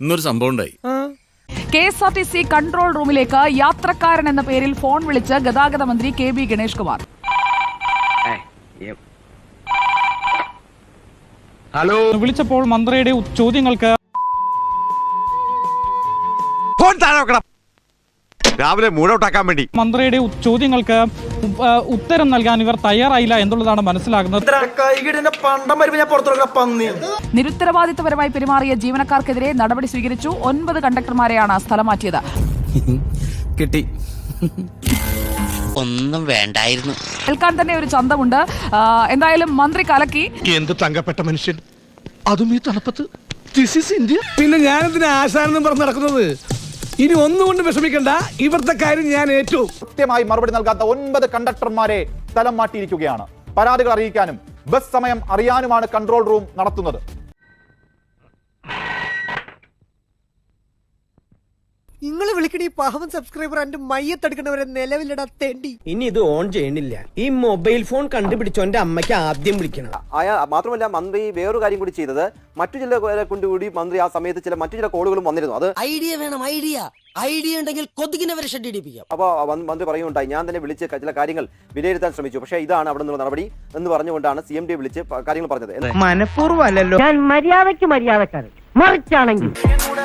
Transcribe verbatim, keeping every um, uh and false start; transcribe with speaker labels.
Speaker 1: ഇന്നൊരു സംഭവം ഉണ്ടായി.
Speaker 2: K S R T C control റൂമിലേക്ക് യാത്രക്കാരൻ എന്ന പേരിൽ ഫോൺ വിളിച്ച് ഗതാഗത മന്ത്രി K B Ganesh Kumar.
Speaker 3: Hello,
Speaker 4: വിളിച്ചപ്പോൾ മന്ത്രിയുടെ ചോദ്യങ്ങൾക്ക്
Speaker 3: രാവിലെ മൂടൗട്ടാക്കാൻ വേണ്ടി
Speaker 4: മന്ത്രിയുടെ ചോദ്യങ്ങൾക്ക് ഉത്തരം നൽകാൻ ഇവർ തയ്യാറായില്ല എന്നുള്ളതാണ് മനസ്സിലാകുന്നത്.
Speaker 2: നിരുത്തരവാദിത്തപരമായി പെരുമാറിയ ജീവനക്കാർക്കെതിരെ നടപടി സ്വീകരിച്ചു. ഒൻപത് കണ്ടക്ടർമാരെയാണ് സ്ഥലം മാറ്റിയത്.
Speaker 1: കിട്ടി.
Speaker 5: ഒന്നും വേണ്ടായിരുന്നു.
Speaker 2: കേൾക്കാൻ തന്നെ ഒരു ചന്തമുണ്ട്. എന്തായാലും മന്ത്രി കലക്കി.
Speaker 6: എന്ത് തങ്കപ്പെട്ട മനുഷ്യൻ, അതും ഈ തണുപ്പത്ത്. ഇന്ത്യ.
Speaker 7: പിന്നെ ഞാനെന്തിനാ ആശാനെന്നും പറഞ്ഞ് നടക്കുന്നത്? ഇനി ഒന്നുകൊണ്ട് വിഷമിക്കണ്ട, ഇവിടുത്തെ കാര്യം ഞാൻ ഏറ്റു.
Speaker 8: കൃത്യമായി മറുപടി നൽകാത്ത ഒൻപത് കണ്ടക്ടർമാരെ സ്ഥലം മാറ്റിയിരിക്കുകയാണ്. പരാതികൾ അറിയിക്കാനും ബസ് സമയം അറിയാനുമാണ് കൺട്രോൾ റൂം നടത്തുന്നത്.
Speaker 9: നിങ്ങൾ വിളിക്കണ ഈ പാവം സബ്സ്ക്രൈബർ എന്റെ മയ്യത്തെടുക്കണവരെ നിലവിലിടാ തേണ്ടി.
Speaker 10: ഇനി ഇത് ഓൺ ചെയ്യണില്ല. ഈ മൊബൈൽ ഫോൺ കണ്ടുപിടിച്ചോ എന്റെ അമ്മയ്ക്ക് ആദ്യം വിളിക്കണം.
Speaker 11: മാത്രമല്ല മന്ത്രി വേറൊരു കാര്യം കൂടി ചെയ്തത്, മറ്റു ചില കൊണ്ടുകൂടി മന്ത്രി ആ സമയത്ത് ചില മറ്റു ചില കോളുകളും വന്നിരുന്നു. അത്
Speaker 9: ഐഡിയ വേണം, ഐഡിയ ഐഡിയ ഉണ്ടെങ്കിൽ കൊതുകിനെ വരെ ഷെഡ് ഇടിപ്പിക്കാം.
Speaker 11: അപ്പോൾ മന്ത്രി പറയുണ്ടായി, ഞാൻ തന്നെ വിളിച്ച് ചില കാര്യങ്ങൾ വിലയിരുത്താൻ ശ്രമിച്ചു, പക്ഷേ ഇതാണ് അവിടെ നിന്നുള്ള നടപടി എന്ന് പറഞ്ഞുകൊണ്ടാണ് സി എം ഡി വിളിച്ച് കാര്യങ്ങൾ പറഞ്ഞത്.
Speaker 10: മനഃപൂർവ്വം അല്ലല്ലോ,
Speaker 9: ഞാൻ മര്യാദയ്ക്ക് മര്യാദക്കാരൻ, മറിച്ചാണെങ്കിൽ